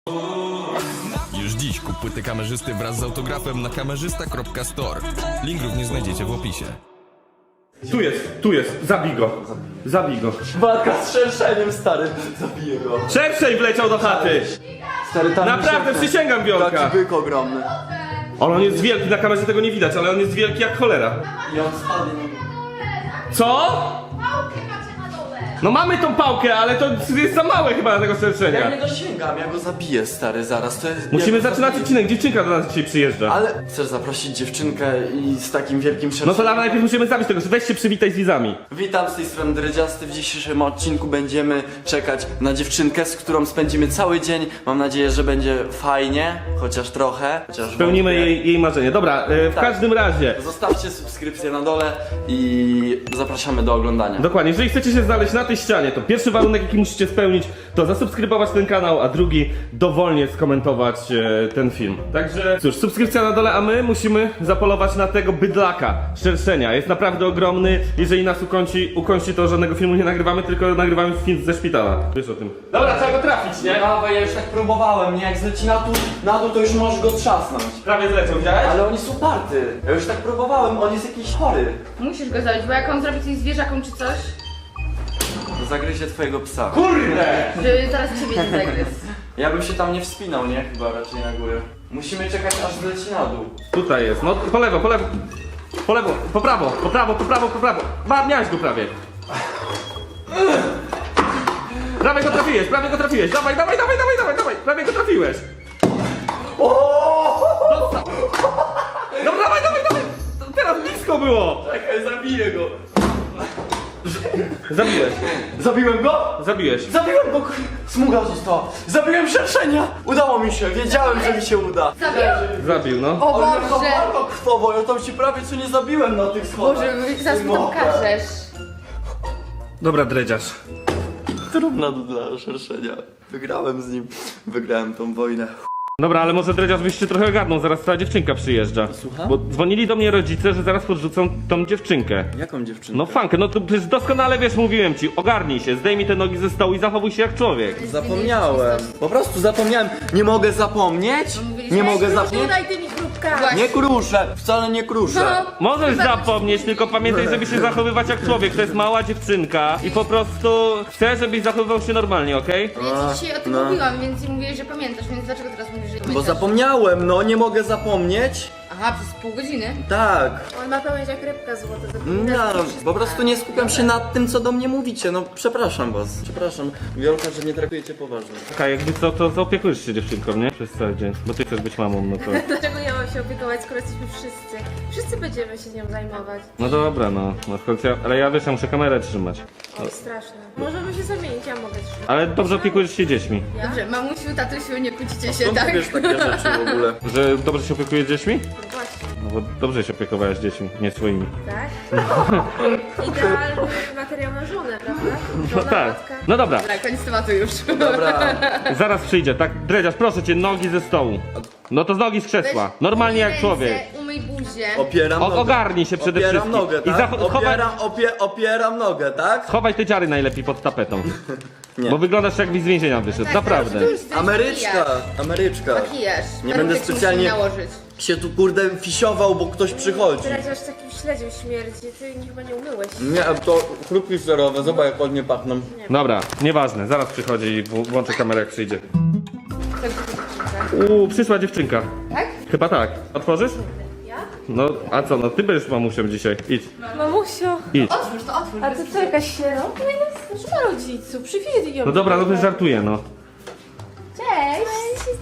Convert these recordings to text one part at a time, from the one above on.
Już dziś kup płyty kamerzysty wraz z autografem na kamerzysta.store. Link również znajdziecie w opisie. Tu jest, zabij go. Walka z szerszeniem, stary, zabiję go. Szerszej wleciał do chaty! Stary, tam Naprawdę, przysięgam, Wiolka! taki byk ogromny. On jest wielki, na kamerze tego nie widać, ale on jest wielki jak cholera. I on spadnie. Co? Pałkę macie na dole! No mamy tą pałkę, ale to jest za małe chyba na tego Ja szerszenia. nie dosięgam, ja go zabiję, stary, zaraz. To jest... Musimy ja go zaczynać zabiję. odcinek, dziewczynka do nas dzisiaj przyjeżdża. Ale chcesz zaprosić dziewczynkę i z takim wielkim No szerszeniem? to najpierw musimy zabić tego, weź się przywitaj z widzami. Witam, z tej strony Dredziasty. W dzisiejszym odcinku będziemy czekać na dziewczynkę, z którą spędzimy cały dzień. Mam nadzieję, że będzie fajnie, chociaż trochę. Chociaż Spełnimy wątpię. jej marzenie. Dobra, w Tak. każdym razie. Zostawcie subskrypcję na dole i zapraszamy do oglądania. Dokładnie, jeżeli chcecie się znaleźć na tej ścianie, to pierwszy warunek, jaki musicie spełnić, to zasubskrybować ten kanał, a drugi dowolnie skomentować ten film. Także cóż, subskrypcja na dole, a my musimy zapolować na tego bydlaka, szerszenia. Jest naprawdę ogromny. Jeżeli nas ukończy, to żadnego filmu nie nagrywamy, tylko nagrywamy film ze szpitala. Wiesz o tym. Dobra, trzeba go trafić, nie? Dawaj, ja już tak próbowałem, nie? Jak zleci na dół, to już możesz go trzasnąć. Prawie zleciał, widziałeś? Ale on jest uparty. Ja już tak próbowałem, on jest jakiś chory. Musisz go zabić, bo jak on zrobi coś zwierzakom czy coś, Zagryzie twojego psa. Kurde! żeby zaraz ciebie nie zagryzł. Ja bym się tam nie wspinał, nie? Chyba raczej na górę. Musimy czekać, aż zleci na dół. Tutaj jest, no po lewo. Po lewo, po prawo. Miałeś go prawie. Prawie go trafiłeś. Dawaj. Prawie go trafiłeś. Dostał. No dawaj. Teraz blisko było. Czekaj, zabiję go. Zabiłeś. Zabiłem go? Zabiłeś. Zabiłem go! Smuga została. Zabiłem szerszenia! Udało mi się, wiedziałem, że mi się uda. Zabił, no. O Ale jaka Boże! walka krwowa, ja tam się prawie co nie zabiłem na tych schodach. Boże, zaraz mi to każesz. Dobra, dredziarz. Trudna dla szerszenia. Wygrałem z nim. Wygrałem tą wojnę. Dobra, ale może dredziarz byś się trochę ogarnął, zaraz ta dziewczynka przyjeżdża. Słucham? Bo dzwonili do mnie rodzice, że zaraz podrzucą tą dziewczynkę. Jaką dziewczynę? No fankę, no to przecież doskonale wiesz, mówiłem ci, ogarnij się, zdejmij te nogi ze stołu i zachowuj się jak człowiek. Zapomniałem. Po prostu zapomniałem. Nie mogę zapomnieć? Nie mogę zapomnieć? daj tymi chrupkami. Nie kruszę, wcale nie kruszę. Możesz zapomnieć, tylko pamiętaj, żeby się zachowywać jak człowiek, to jest mała dziewczynka i po prostu chcę, żebyś zachowywał się normalnie, okej? Ja ci dzisiaj o tym mówiłam, więc ci mówiłeś, że pamiętasz, więc dlaczego teraz mówisz, że nie Bo pamiętasz? zapomniałem, no nie mogę zapomnieć. Aha, przez pół godziny? Tak. On ma pamięć jak rybka złota. No, po prostu nie skupiam się nad tym, co do mnie mówicie. No przepraszam was. Przepraszam. Wiolka, że nie traktujecie poważnie. Okej, jakby co, to zaopiekujesz się dziewczynką, nie? Przez cały dzień, bo ty chcesz być mamą, no to... Dlaczego ja mam się opiekować, skoro jesteśmy wszyscy? Wszyscy będziemy się nią zajmować. No dobra, no w końcu ale ja wiesz, ja muszę kamerę trzymać. O, straszne. Możemy się zamienić, ja mogę trzymać. Ale dobrze opiekujesz się dziećmi. Ja? Dobrze, mamusiu, tatusiu, nie kłócicie się, Skąd tak? ty wiesz takie rzeczy w ogóle? Że dobrze się opiekujesz dziećmi? No właśnie, No bo dobrze się opiekowałeś dziećmi, nie swoimi. tak? Idealny materiał na żonę, prawda? No Żona, tak. matka. No dobra, Dobra, koniec tematu już. Dobra. zaraz przyjdzie, tak? Dredziarz, proszę cię, nogi ze stołu. No to z nogi z krzesła. Normalnie jak człowiek. Umyj buzię. Opieram nogę. Ogarnij się przede Opieram wszystkim. nogę, I tak? chowaj, Opieram nogę, tak? chowaj te dziary najlepiej pod tapetą. Nie. Bo wyglądasz jakbyś z więzienia wyszedł, naprawdę. Ameryczka. Makijaż. Nie Ale będę tak musimy specjalnie nałożyć. się tu kurde fisiował, bo ktoś przychodzi. Dredziarz takim śledziem śmierdzi, ty chyba nie umyłeś. Nie, to chrupki serowe, zobacz jak ładnie pachną. Dobra, nieważne, zaraz przychodzi i włączę kamerę jak przyjdzie. Tak, dziewczynka. Przyszła dziewczynka. Tak? Chyba tak. Otworzysz? Ja? No, a co, no ty będziesz mamusią dzisiaj. Idź, Mamusio, idź. Otwórz to, otwórz. a ty co, jakaś sierota? No nie ma rodziców, przywieźli ją. No dobra, no to żartuję, no. Cześć!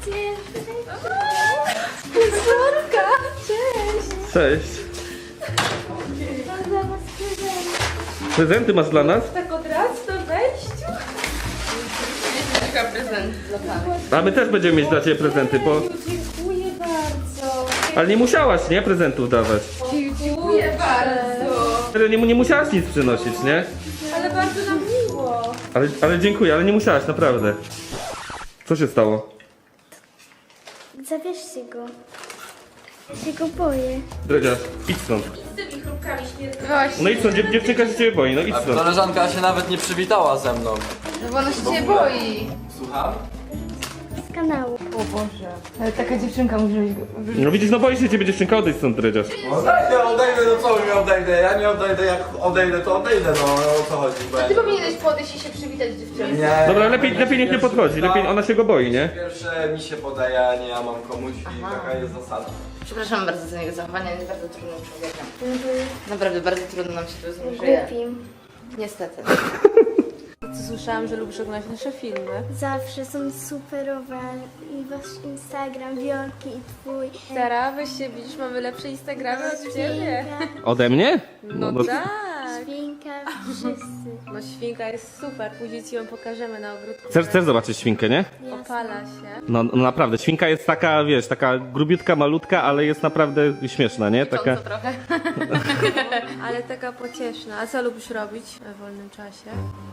Słodka! Cześć! Cześć. Mam dla was prezent. Prezenty masz dla nas? Tak od razu na wejściu? Taka prezent dla pana. A my też będziemy mieć dla ciebie prezenty, bo... Dziękuję bardzo. Ale nie musiałaś, nie? Prezentów dawać. Dziękuję bardzo. Nie musiałaś nic przynosić, nie? Ale bardzo nam miło. Ale dziękuję, ale nie musiałaś, naprawdę. Co się stało? Zabierzcie go. Się go boję. Dredziarz, idź stąd. Z tymi chrupkami śmierdzi. Właśnie. No idź stąd, dziewczynka się ciebie boi, no idź stąd. Koleżanka się nawet nie przywitała ze mną. No bo ona się ciebie boi. Słucham? kanału. O Boże. Ale taka dziewczynka musi być... No widzisz, no boisz się ciebie dziewczynka, odejdź stąd, Dredziarz. Odejdę, no co mi odejdę? Ja nie odejdę, jak odejdę, to odejdę, no o co chodzi? Bo ja Ty powinieneś podejść i się przywitać z dziewczyną. nie. Dobra, lepiej niech nie podchodzi, lepiej ona się go boi, nie? Pierwsze mi się podaje, a nie ja mam komuś i taka jest zasada. Przepraszam bardzo za jego zachowanie, jest bardzo trudnym człowiekiem. Naprawdę bardzo trudno nam się tu z nim żyje. Głupim. Niestety. Słyszałam, że lubisz oglądać nasze filmy. Zawsze są superowe. I wasz Instagram, Wiolki i twój. Sara, weź się, widzisz, mamy lepsze Instagramy od ciebie. Świnka, Ode mnie? No tak. świnka, wszyscy. No świnka jest super, później ci ją pokażemy na ogródku. Chcesz zobaczyć świnkę, nie? Opala się. No naprawdę, świnka jest taka, wiesz, taka grubiutka, malutka, ale jest naprawdę śmieszna, nie? Taka... Co trochę. Ale taka pocieszna. A co lubisz robić w wolnym czasie?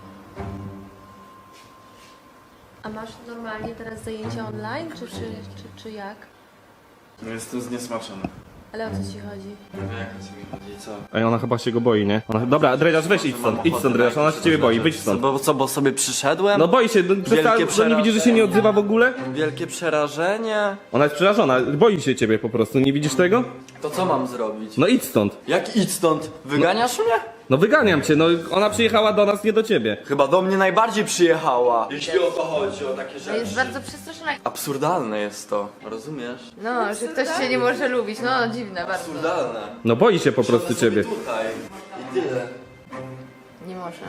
A masz normalnie teraz zajęcia online, czy jak? No jestem zniesmaczony. Ale o co ci chodzi? Nie wiem, jak to mi chodzi, co? Ej, ona chyba się go boi, nie? Dobra, Dredziarz, weź idź stąd, Dredziarz, ona się ciebie boi, wyjdź stąd. Bo co, bo sobie przyszedłem? No boi się, co nie widzi, że się nie odzywa w ogóle? Wielkie przerażenie. Ona jest przerażona, boi się ciebie po prostu, nie widzisz tego? To co mam zrobić? No idź stąd. Jak idź stąd? Wyganiasz mnie? No wyganiam cię, no ona przyjechała do nas, nie do ciebie. Chyba do mnie najbardziej przyjechała. Jeśli o to chodzi, o takie Jest rzeczy. bardzo przestraszona. Absurdalne jest to, rozumiesz? No, że ktoś się nie może lubić. No, dziwne bardzo. Absurdalne. No boi się po prostu Siądę ciebie. sobie tutaj i tyle. Nie może.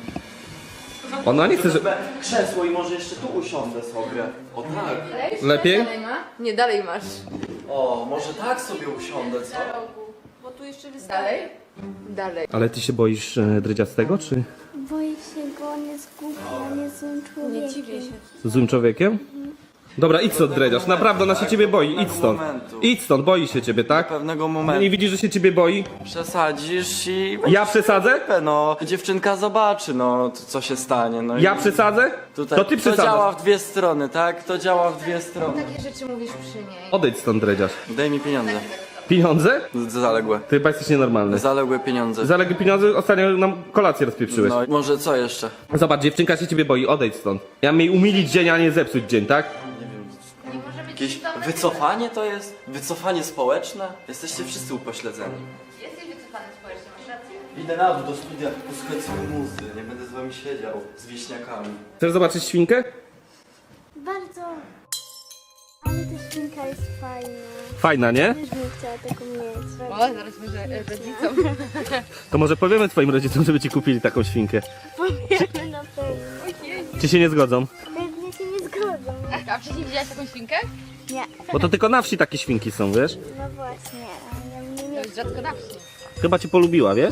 Ona nie chce, że... Krzesło i może jeszcze tu usiądę sobie. O tak. Lepiej? Dalej ma? Nie, dalej masz. O, może tak sobie usiądę, co? Bo tu jeszcze wystarczy. Dalej? Dalej. Ale ty się boisz Dredziastego, czy Boję się go, on jest głupi, on jest złym człowiekiem. Nie dziwię się. złym człowiekiem? Dobra, idź stąd, Dredziarz, naprawdę ona się ciebie boi, idź stąd. Idź stąd, boi się ciebie, tak? Pewnego Nie momentu widzisz, że się ciebie boi? przesadzisz i... Ja przesadzę? No, dziewczynka zobaczy, no, co się stanie, no i Ja przesadzę? tutaj To ty to działa przesadzasz. w dwie strony, tak? To działa w dwie strony. Takie rzeczy mówisz przy niej. Odejdź stąd, Dredziarz. Daj mi pieniądze. Pieniądze? Zaległe. Ty chyba jesteś nienormalny. Zaległe pieniądze. Zaległy pieniądze, ostatnio nam kolację rozpieprzyłeś. No, może co jeszcze? Zobacz, dziewczynka się ciebie boi, odejdź stąd. Ja mam jej umilić dzień, a nie zepsuć dzień, tak? Nie może być Jakieś wycofanie to jest? Wycofanie społeczne? Jesteście wszyscy upośledzeni. Jesteś wycofany społecznie, masz rację. Idę na dół do studia, posłuchać sobie muzy. Nie będę z wami siedział, z wieśniakami. Chcesz zobaczyć świnkę? Bardzo. Ale ta świnka jest fajna. Fajna, nie? Też bym chciała taką mieć. O, zaraz może rodzicom. To może powiemy twoim rodzicom, żeby ci kupili taką świnkę. Powiemy na pewno. Czy się nie zgodzą? Pewnie się nie zgodzą. A wcześniej widziałaś taką świnkę? Nie. Bo to tylko na wsi takie świnki są, wiesz? No właśnie, ale ja bym nie To mieć. jest rzadko na wsi. Chyba cię polubiła, wiesz?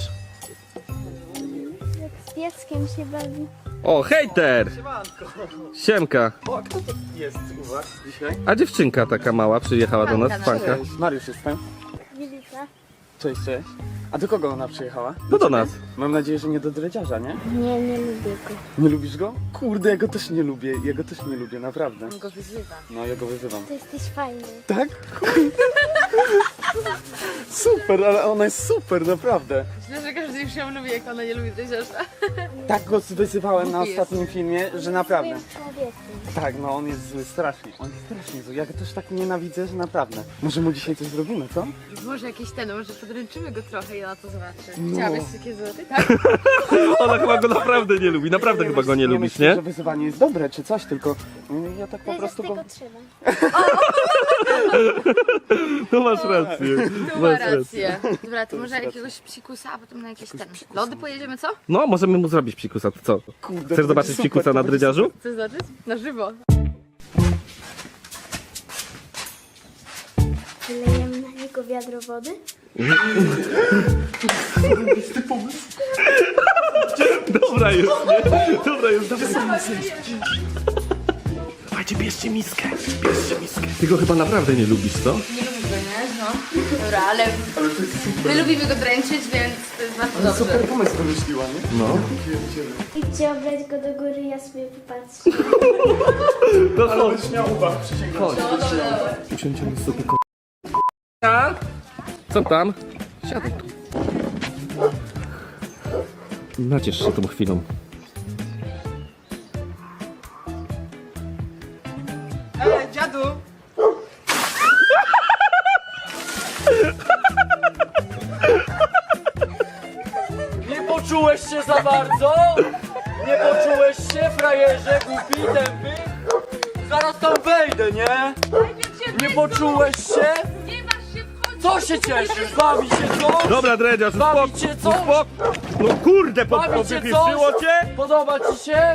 Jak z pieskiem się bawi. O, hejter! Siemka. O, kto to jest u was dzisiaj? A dziewczynka taka mała przyjechała do nas, Fanka. Mariusz jestem. Wilika? Cześć, cześć. A do kogo ona przyjechała? No do nas. Mam nadzieję, że nie do dredziarza, nie? Nie, nie lubię go. Nie lubisz go? Kurde, ja go też nie lubię, naprawdę. On go wyzywa. No, ja go wyzywam. To jesteś fajny. Tak? Super, ale ona jest super, naprawdę. Myślę, że każdy już ją lubi, jak ona nie lubi tej rzeczy. Tak go wyzywałem na ostatnim filmie, że naprawdę. Złym człowiekiem. Tak, no on jest zły, strasznie. On jest strasznie zły. Ja go też tak nienawidzę, że naprawdę. Może mu dzisiaj coś zrobimy, co? Może jakieś może podręczymy go trochę i ona to zobaczy. No. Chciałabyś takie złoty, tak? Ona chyba go naprawdę nie lubi, naprawdę chyba go nie lubisz, myślę, nie? że wyzywanie jest dobre czy coś, tylko ja tak po Prezes prostu go... tego trzeba. No masz rację. Tu ma rację. Dobra, to może jakiegoś psikusa, a potem na jakieś lody pojedziemy, co? No, możemy mu zrobić psikusa, to co? Kurde, Chcesz zobaczyć super, psikusa to na będzie drydziarzu? Co znaczy? Na żywo. Wylejemy na niego wiadro wody? Dobra jest, nie? Dobra jest, dawaj. Dawajcie, bierzcie miskę, bierzcie miskę. Ty go chyba naprawdę nie lubisz, co? Nie lubię go, nie? No. Dobra, ale my lubimy go dręczyć, więc to jest bardzo dobrze. Super pomysł wymyśliła, nie? No. Idźcie obrać go do góry, ja sobie popatrzę. To chodź. Będziesz miał uwagę, przysięgam. Chodź. Usiądziemy sobie ko... A? Co tam? Siadaj tu. Naciesz się tą chwilą. Ale przodu! Nie poczułeś się za bardzo? Nie poczułeś się, frajerze, głupi, tępy? Zaraz tam wejdę, nie? Nie poczułeś się? Nie masz się wchodzić! Co się cieszysz? Bawi się coś? Dobra, Dredziarz, Bawi cię coś? No kurde, Bawi cię podpieszyło coś? cię? Podoba ci się?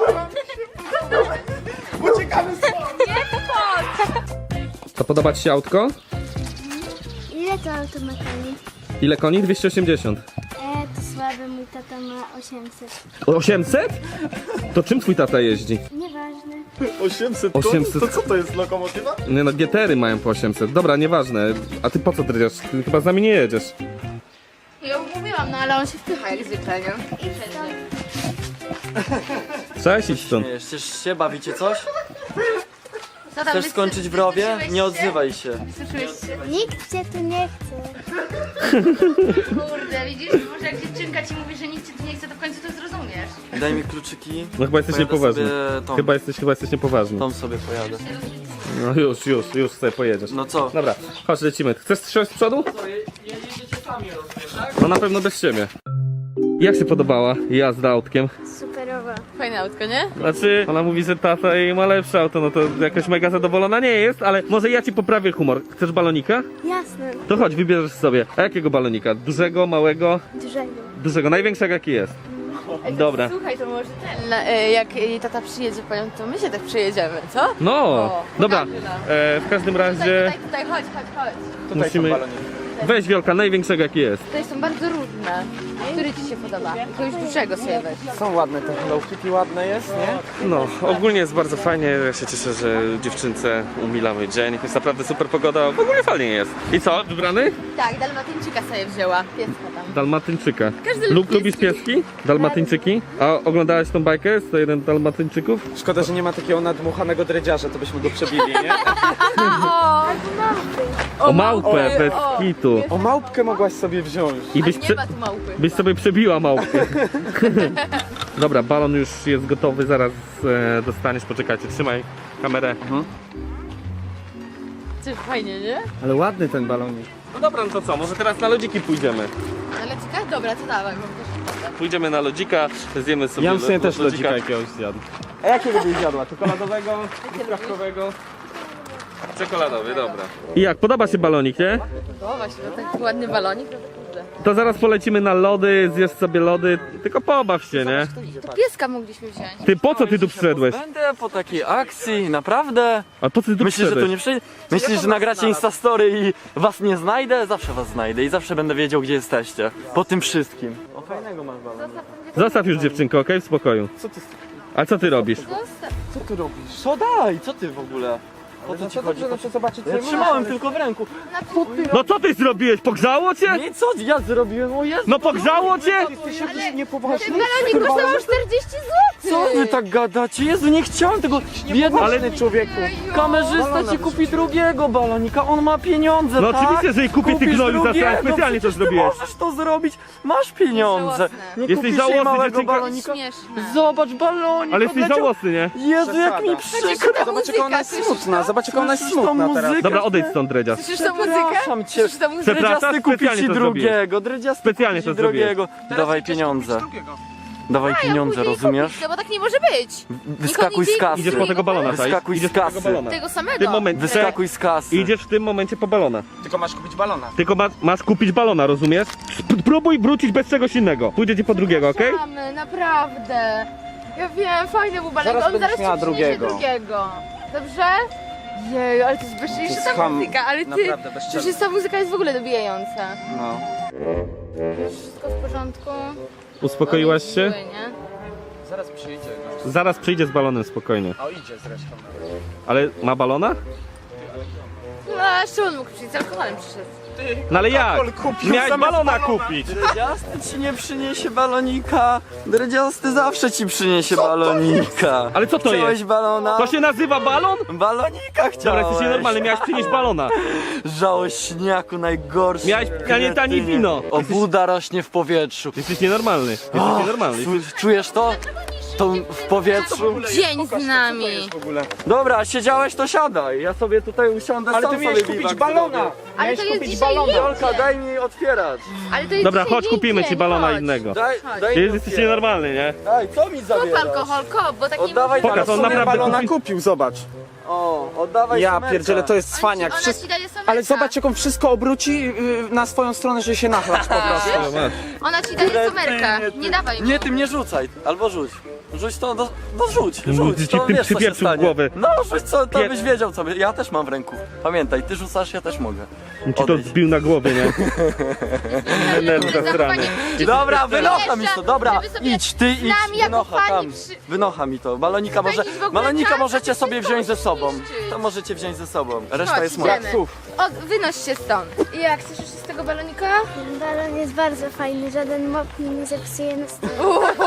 To podoba ci się autko? Ile to auto ma koni? Ile koni? 280. To słaby, mój tata ma 800. 800? To czym twój tata jeździ? Nieważne. 800 800. To co to jest, lokomotywa? Nie no, GTR-y mają po 800. Dobra, nieważne. A ty po co Dredziarz? Ty chyba z nami nie jedziesz. Ja już mówiłam, no ale on się wpycha jak zwykle, nie? Cześć, idź stąd. Nie, cieszysz się? Bawicie coś? Co tam, Chcesz skończyć w rowie? Nie odzywaj się. Słyszałeś się? Nikt cię tu nie chce. Kurde, widzisz? Może jak dziewczynka ci mówi, że nikt cię tu nie chce, to w końcu to zrozumiesz. Daj mi kluczyki. No chyba jesteś Pojadę niepoważny. sobie tą. Chyba jesteś niepoważny. Tą sobie pojadę. No już sobie pojedziesz. No co? Dobra, chodź, lecimy. Chcesz strzelać z przodu? Jedziecie sami, rozumiem, tak? No na pewno bez ciebie. Jak się podobała jazda autkiem? Superowa. Fajne autko, nie? Znaczy, ona mówi, że tata jej ma lepsze auto, no to jakoś mega zadowolona nie jest, ale może ja ci poprawię humor. Chcesz balonika? Jasne. To chodź, wybierzesz sobie. A jakiego balonika? Dużego, małego? Dużego. Dużego, największego jaki jest. Dobra. Słuchaj, to może ten, jak jej tata przyjedzie po nią, to my się tak przyjedziemy, co? No, O, dobra. pokażę nam. W każdym razie Tutaj, chodź. musimy... Weź Wielka, największego jaki jest. Tutaj są bardzo różne. Który ci się podoba? Jakiegoś dużego sobie weź. Są ładne te Hello Kitty, ładne jest, nie? No, ogólnie jest bardzo fajnie. Ja się cieszę, że dziewczynce umilamy dzień. Jest naprawdę super pogoda. W ogóle fajnie jest. I co, wybrany? Tak, dalmatyńczyka sobie wzięła. Pieska tam. Dalmatyńczyka. Każdy lubi Lubisz pieski? Dalmatyńczyki? A oglądałeś tą bajkę? 101 Dalmatyńczyków? Szkoda, że nie ma takiego nadmuchanego dredziarza, to byśmy go przebili, nie? O małpę, bez kitu. O małpkę mogłaś sobie wziąć. I byś, Nie ma tu małpy. byś sobie przebiła małpkę. Dobra, balon już jest gotowy, zaraz dostaniesz. Poczekajcie, trzymaj kamerę. Coś fajnie, nie? Ale ładny ten balonik. No dobra, no to co, może teraz na lodziki pójdziemy. Ale ciekawe, dobra, to dawaj, bo też... Pójdziemy na lodzika, zjemy sobie Ja bym sobie też lodzika lodzika jakiegoś zjadł. A jakiego byś zjadła? Czekoladowego? Truskawkowego? Czekoladowy, dobra. I jak, podoba się balonik, nie? Podoba się, no taki ładny balonik, no to kurde. To zaraz polecimy na lody, zjesz sobie lody, tylko pobaw się, nie? To pieska mogliśmy wziąć. Ty, po co ty tu przyszedłeś? Będę po takiej akcji, naprawdę? A po co ty tu Myślisz, że tu przyszedłeś? nie przyjdę? Myślisz, że nagracie Instastory i was nie znajdę? Zawsze was znajdę i zawsze będę wiedział, gdzie jesteście. Po tym wszystkim. O, fajnego masz balon. Zostaw już dziewczynkę, okej? W spokoju. Co ty, A co ty robisz? co ty robisz? Co daj? Co ty w ogóle? Po co ci chodzi? Dobrze, zobaczyć, Ja trzymałem tylko w ręku. No co ty zrobiłeś? Pogrzało cię? Nie, co ja zrobiłem? O Jezu, No pogrzało cię? Jesteś jakiś niepoważny. Balonik kosztował 40 zł! co wy tak gadacie? Jezu, nie chciałem tego. Biedny Ale człowieku. kamerzysta ci kupi drugiego balonika, on ma pieniądze, No tak? oczywiście, że jej kupię, ty Kupisz gnoju, za drugiego, specjalnie to przecież ty zrobiłeś. możesz to zrobić, masz pieniądze. Żałosne. Nie Jesteś kupisz jej żałosny, małego dziewczynka. balonika? Śmieszne. Zobacz, balonik Ale jesteś odleciał. żałosny, nie? Jezu, jak mi Przesada. przykro. Zobacz, jaka ona jest Słyszysz smutna. to? Zobacz, jaka ona jest Słyszysz tą smutna teraz. muzykę? Dobra, odejdź stąd, Dredziarz. Słyszysz tą muzykę? Przepraszam cię. Słyszysz tą muzykę? Przepraszam, Dredziasty kupi specjalnie ci to zrobiłeś. drugiego, dredziasty Specjalnie kupi ci to zrobiłeś. drugiego. Dawaj pieniądze. Dawaj pieniądze, Później rozumiesz? kupić, no bo tak nie może być. Wyskakuj z kasy. Idziesz po tego balona, tak? Wyskakuj Idziesz z po tego kasy. balona. Tego W samego. tym momencie Wyskakuj z kasy. idziesz w tym momencie po balona. Tylko masz kupić balona. Tylko masz kupić balona, rozumiesz? Próbuj wrócić bez czegoś innego. Pójdzie ci po drugiego, okej? Mamy, naprawdę. Ja wiem, fajny był balonik. Zaraz On będziesz zaraz miała ci przyniesie drugiego. drugiego. Dobrze? Jej, ale to jest bezczelniejsza To ta jest ham- muzyka, ale ty... naprawdę bezczelne. Przecież ta muzyka jest w ogóle dobijająca. No. Wszystko w porządku? Uspokoiłaś się? Zły, nie? Zaraz przyjdzie. Zaraz przyjdzie z balonem, spokojnie. O, idzie zresztą. Ale ma balona? No, a jeszcze on mógł przyjść, z alkoholem przyszedł. No ale jak? Miałeś zamiast balona balona. kupić! Dredziasty ci nie przyniesie balonika. Dredziasty zawsze ci przyniesie balonika. Ale co to Chciałeś jest? balona? To się nazywa balon? Balonika chciałeś. Dobra, jesteś nienormalny, miałeś przynieść balona. Żałośniaku najgorszy. Miałeś tanie kretynie. wino. Obuda rośnie w powietrzu. Jesteś nienormalny. Jesteś nienormalny. Czujesz to? tą w powietrzu. Dzień z nami. W ogóle. Dobra, siedziałeś, to siadaj. Ja sobie tutaj usiądę, Ale sam ty sobie miałeś kupić biwak balona! zrobię. Ale Miałeś to jest kupić dzisiaj balona! Jolka, daj mi otwierać. Ale to jest Dobra, dzisiaj chodź, jej kupimy ci dzień, balona chodź. innego. Daj Ty mi jesteś otwierać. nienormalny, nie? Daj, co mi Kop zabierasz? alkohol, kop, bo tak nie Oddawaj można. Pokaż, on Ale naprawdę balona kupi- kupił, zobacz. O, oddawaj Ja sumerka. pierdzielę, to jest cwaniak. Ona ci daje somerka. Ale zobacz, jak on wszystko obróci na swoją stronę, że się nachlać po prostu. Ona ci daje somerka. Nie dawaj mu. Nie, ty mnie rzucaj, albo rzuć. Rzuć to, rzuć, Ci rzuć, to tym wiesz co się przypieprzył w stanie. głowę. No rzuć, co, to byś wiedział co, ja też mam w ręku. Pamiętaj, ty rzucasz, ja też mogę. Ci to Odejdź. zbił na głowie, nie? Nerw zastrany. Dobra, wynocha mi to, dobra, żeby sobie idź, ty idź, nami jako wynocha pani tam, wynocha mi to. Balonika Spędzić w ogóle balonika czas, możecie a sobie wszystko wziąć ze musisz sobą. niszczyć. To możecie wziąć ze sobą, reszta Chodź, jest moja. idziemy. Wynoś się stąd. I jak, chcesz jeszcze z tego balonika? Balon jest bardzo fajny, żaden mop mi nie zepsuje nastroju.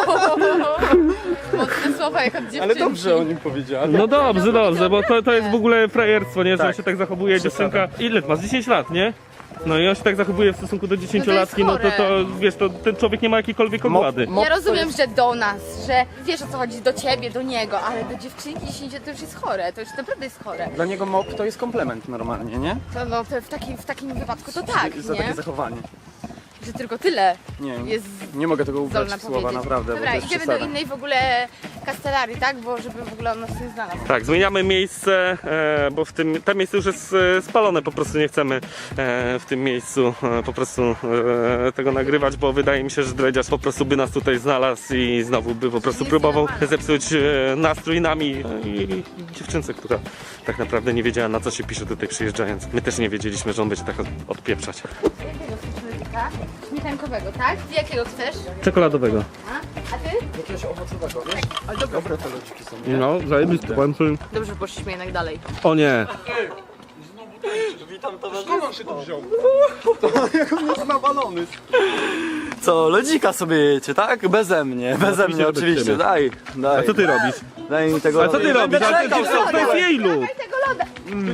Mocne słowa jak od dziewczynki. Ale dobrze o nim powiedziała. No dobrze, dobrze, bo to jest w ogóle frajerstwo, nie? Że on Tak. się tak zachowuje, dziewczynka. Ile masz? 10 lat, nie? No i on się tak zachowuje w stosunku do 10-latki, no to chore. wiesz, to ten człowiek nie ma jakiejkolwiek ogłady. Ja rozumiem, że do nas, że wiesz o co chodzi, do ciebie, do niego, ale do dziewczynki 10 to już jest chore, to już naprawdę jest chore. Dla niego mop to jest komplement normalnie, nie? To, no, to w takim wypadku to tak, Za takie nie? zachowanie. Że tylko tyle Nie, jest nie mogę tego ubrać zdolna w słowa, powiedzieć. naprawdę, bo Dobra, to jest idziemy do przesada. innej w ogóle kastelarii, tak? Bo żeby w ogóle on nas nie znalazł. Tak, zmieniamy miejsce, bo w tym to miejsce już jest spalone, po prostu nie chcemy w tym miejscu po prostu tego nagrywać, bo wydaje mi się, że Dredziarz po prostu by nas tutaj znalazł i znowu by po prostu jest próbował normalne. zepsuć nastrój nami i dziewczynce, która tak naprawdę nie wiedziała, na co się pisze tutaj przyjeżdżając. My też nie wiedzieliśmy, że on będzie tak odpieprzać. Jakiego chcesz człowieka? Śmietankowego, tak? Ty jakiego chcesz? Czekoladowego. A ty? Jakiegoś owocowego, wiesz? Ale dobre te lodziki są, nie? No, zajebisty, powiem ci. Dobrze, że poszliśmy jednak dalej. O nie! Witam towarzystwo. On się tu wziął. Jak on jest nawalony. Co, lodzika sobie jecie, tak? Beze mnie oczywiście, bez oczywiście, ciebie. daj. A co ty robisz? Daj mi tego A co ty lodu. robisz? Ale Będę czekał, to jest jej lód! Tego loda!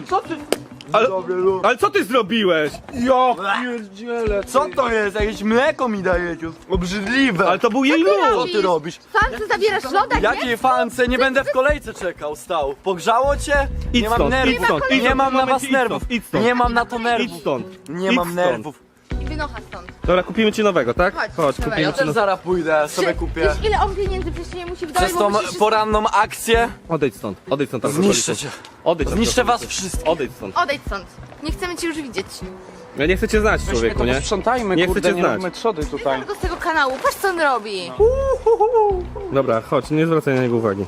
Ale co ty zrobiłeś? Ja pierdzielę. Co to jest? Jakieś mleko mi dajecie? Obrzydliwe. Ale to był jej Co lód! ty robisz? Fan, co zabierasz loda, nie? Jakiej fance? Nie będę w kolejce czekał, stał. Pogrzało cię? Idź Nie mam stąd, idź nerwów. stąd, idź Nie stąd, mam na momencie, was idź nerwów. stąd, idź stąd. Nie mam na to Idź nerwów. stąd! Nie Idź mam stąd. nerwów. I wynocha stąd. Dobra, kupimy ci nowego, tak? Chodź, Chodź, dawaj, kupimy Ja ci też nowego. zaraz pójdę, sobie kupię. Wiesz ile on pieniędzy przecież nie musi wydać, Przez tą poranną akcję Odejdź stąd, odejdź stąd. zniszczę cię. Odejdź stąd. Zniszczę was wszystkich. Odejdź stąd. Odejdź stąd. Nie chcemy cię już widzieć. Ja nie chcę cię znać, Weźmy człowieku, to nie? posprzątajmy, Nie kurde, chcecie nie znać. róbmy trzody tutaj. Go z tego kanału, patrz co on robi. Dobra, chodź, nie zwracaj na niego uwagi.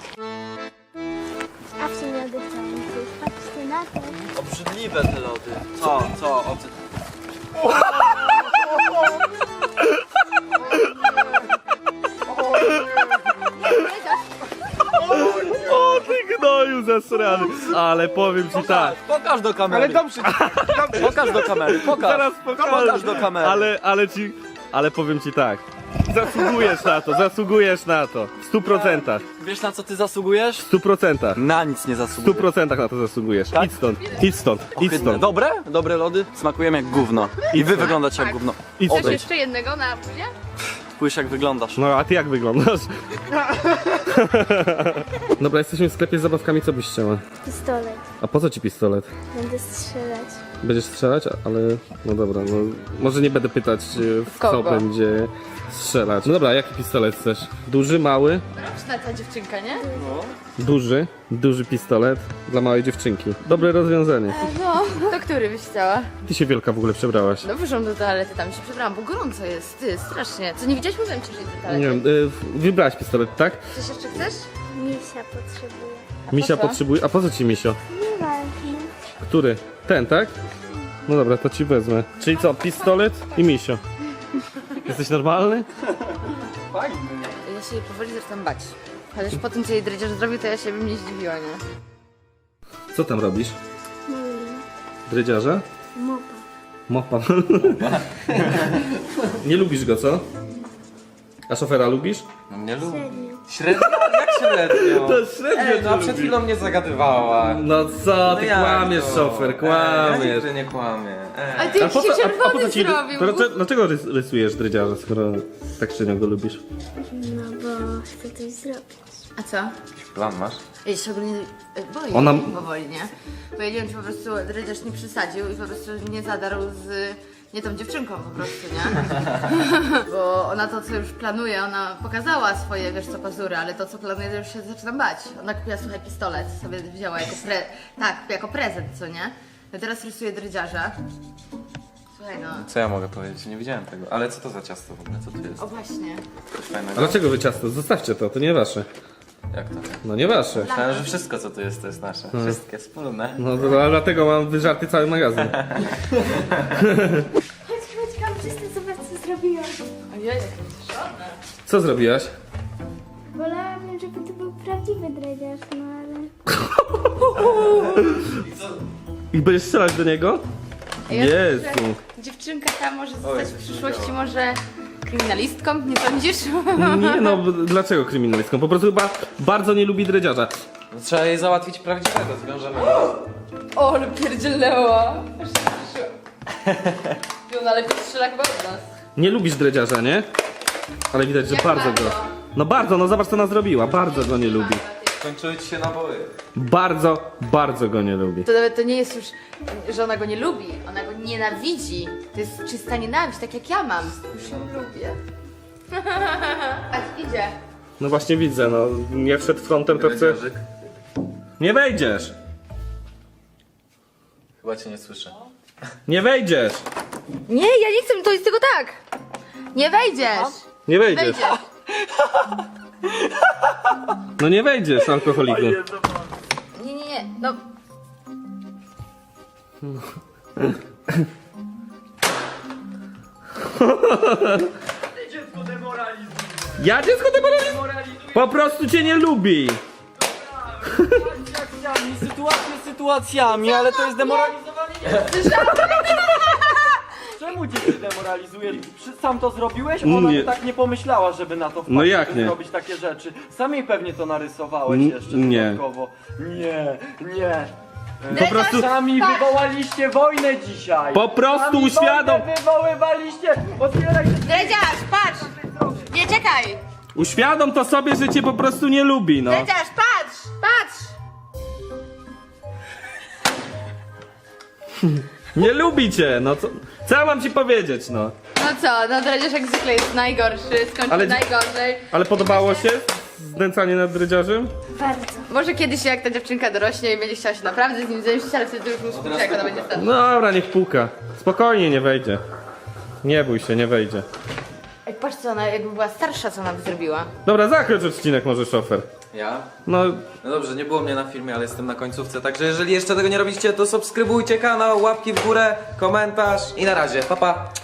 A w sumie oddychamy. Patrzcie na to. Obrzydliwe te lody. Co? O co? O, ty gnoju zasrany! Ale powiem ci tak. Pokaż do kamery. Ale dobrze, Pokaż do kamery. Pokaż. Zaraz pokażę. Pokaż do kamery. Ale powiem ci tak. Zasługujesz na to. W 100%. Wiesz na co ty zasługujesz? W 100%. Na nic nie W zasługujesz. 100% na to zasługujesz. Tak? Idź stąd, idź stąd, idź Ohydne. stąd. Dobre? Dobre lody? Smakują jak gówno. I wy wyglądacie jak Tak. gówno. Idź Chcesz stąd. jeszcze jednego na buzie? Spójrz jak wyglądasz. No a ty jak wyglądasz? Dobra, jesteśmy w sklepie z zabawkami, co byś chciała? Pistolet. A po co ci pistolet? Będę strzelać. Będziesz strzelać, ale no dobra, no może nie będę pytać w co Kogo? będzie strzelać. No dobra, jaki pistolet chcesz? Duży, mały? Roczna ta dziewczynka, nie? Duży pistolet dla małej dziewczynki. Dobre rozwiązanie. No, to który byś chciała? Ty się wielka w ogóle przebrałaś. No wyszłam do toalety, tam się przebrałam, bo gorąco jest, ty, strasznie. Co, nie widziałeś? Mówiłem ci, że idę do toalety. Nie wiem, wybrałaś pistolet, tak? Coś jeszcze chcesz? Misia potrzebuje. Misia co? potrzebuje. A po co ci misio? Nieważne. Który? Ten, tak? No dobra, to ci wezmę. Czyli co, pistolet i misio. Jesteś normalny? Ja się jej powoli zaczynam bać. Chociaż po tym, co jej Dredziarz zrobił, to ja się bym nie zdziwiła, nie? Co tam robisz? Drydziarza? Mopa. Mopa. Nie lubisz go, co? A szofera lubisz? Nie lubię. Serio. Średnio? Jak średnio? To średnio No przed chwilą mnie zagadywała. No co, ty jak kłamiesz, to? szofer, Ja kłamiesz. nigdy nie kłamię. Ale ty jakiś się czerwony ci, zrobił. dlaczego rysujesz drydziarza, skoro tak średnio go lubisz? No bo chcę coś zrobić. A co? Jakiś plan masz? Ja się ogólnie boję Ona- powoli, nie? Bo ja nie wiem, czy po prostu dredziarz nie przesadził i po prostu nie zadarł z nie tą dziewczynką po prostu, nie? Bo ona to, co już planuje, ona pokazała swoje, wiesz co, pazury, ale to, co planuje, to już się zaczynam bać. Ona kupiła, słuchaj, pistolet, sobie wzięła jako prezent, co nie? Ja teraz rysuję dredziarza. Słuchaj, no. Co ja mogę powiedzieć? Nie widziałem tego. Ale co to za ciasto w ogóle? Co tu jest? O właśnie. Coś fajnego? A dlaczego wy ciasto? Zostawcie to nie wasze. Jak to? No nie wasze. Myślałem, że wszystko co tu jest, to jest nasze. Wszystkie wspólne. No to dlatego mam wyżarty cały magazyn. Chodź, kamerzysta, zobacz co zrobiłam. Ojej, Co zrobiłaś? Wolałabym, żeby to był prawdziwy dredziarz, no ale... I będziesz strzelać do niego? Jezu. dziewczynka ta może zostać w przyszłości może kryminalistką, nie sądzisz? Nie no, dlaczego kryminalistką? Po prostu chyba bardzo nie lubi dredziarza. No, trzeba jej załatwić prawdziwego, zwiążemy go. O, ale pierdzielnęła. Aż się cieszyła. No ale strzela chyba od nas. Nie lubisz dredziarza, nie? Ale widać, że Jak bardzo bardzo? go. No bardzo, no zobacz co ona zrobiła. Bardzo go nie lubi. Skończyły ci się naboje. Bardzo, bardzo go nie lubi. To nawet to nie jest już, że ona go nie lubi, ona go nienawidzi. To jest czysta nienawiść, tak jak ja mam. Już ją lubię. A idzie. No właśnie widzę, no. Jak wszedł frontem, to chcę... Dredziarzyk. Nie wejdziesz! Chyba cię nie słyszę. Nie wejdziesz! Nie, ja nie chcę, to jest tylko tak. Nie wejdziesz. Nie wejdziesz! Wejdziesz. No nie wejdziesz, alkoholiku. Nie, no. Dziecko demoralizuje. Ja dziecko demoralizuję? Po prostu cię nie lubi! Sytuacjami, sytuacjami, ale to jest demoralizowanie. Czemu cię demoralizujesz? Sam to zrobiłeś? Ona Nie. by tak nie pomyślała, żeby na to wpaść, No jak żeby nie? zrobić takie rzeczy. Sami pewnie to narysowałeś jeszcze Nie. dodatkowo. Nie. Po prostu... Sami Tak. wywołaliście wojnę dzisiaj. Po prostu Sami uświadom... wojnę wywoływaliście. Otwieraj się. Dredziarz, patrz. Nie, czekaj. Uświadom to sobie, że cię po prostu nie lubi, no. Dredziarz, patrz. Nie lubi cię, no co ja mam ci powiedzieć, no? No co, no dredziarz jak zwykle jest najgorszy, skończył Ale- najgorzej. Ale podobało się znęcanie nad dredziarzem? Bardzo. Może kiedyś jak ta dziewczynka dorośnie i będzie chciała się naprawdę z nim zemścić, ale wtedy już mu skupić, jak ona będzie wtedy. No dobra, niech puka. Spokojnie, nie wejdzie. Nie bój się, nie wejdzie. Ej, patrz co ona, jakby była starsza, co ona by zrobiła. Dobra, zakończ odcinek może, szofer. Ja? No, No dobrze, nie było mnie na filmie, ale jestem na końcówce, także jeżeli jeszcze tego nie robicie, to subskrybujcie kanał, łapki w górę, komentarz i na razie, pa pa!